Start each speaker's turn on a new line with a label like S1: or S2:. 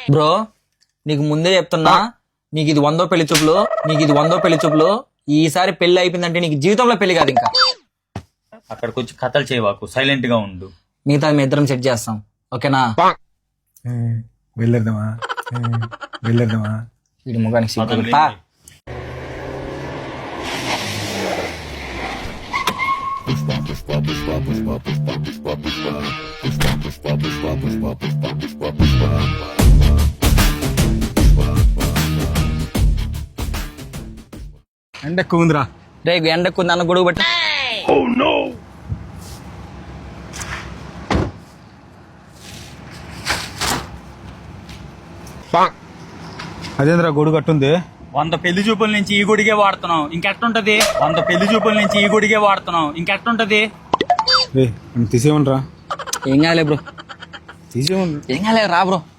S1: Bro నీకు ముందే చెప్తున్నా, నీకు ఇది 100వ పెళ్లి చూపులు. ఈసారి పెళ్లి అయిపోయిందంటే నీకు జీవితంలో పెళ్లి కాదు ఇంకా.
S2: అక్కడికి వచ్చి కథలు చేయవాకు, సైలెంట్ గా ఉండు.
S1: మిగతా మీ ఇద్దరం సెట్ చేస్తాం, ఓకేనా?
S3: వెళ్ళేద్దామా?
S1: వీడి ముఖానికి సిగ్గు.
S2: అతను
S1: పా.
S3: ఎండ ఎక్కువ ఉందిరా.
S1: రే ఎండకు నన్ను గొడుగు పట్టి.
S3: అదేంద్రా గొడుగు కట్టుంది?
S2: 100 పెళ్లి చూపుల నుంచి ఈ గుడిగే వాడుతున్నాం, ఇంకెట్టుంటది? 100 పెళ్లి చూపుల నుంచి ఈ గుడిగే వాడుతున్నాం, ఇంకెట్టుంటది?
S3: రే తీసేయమనరా.
S1: ఏం కాలే బ్రో,
S3: తీసేయమని.
S1: ఏం కాలే రా బ్రో.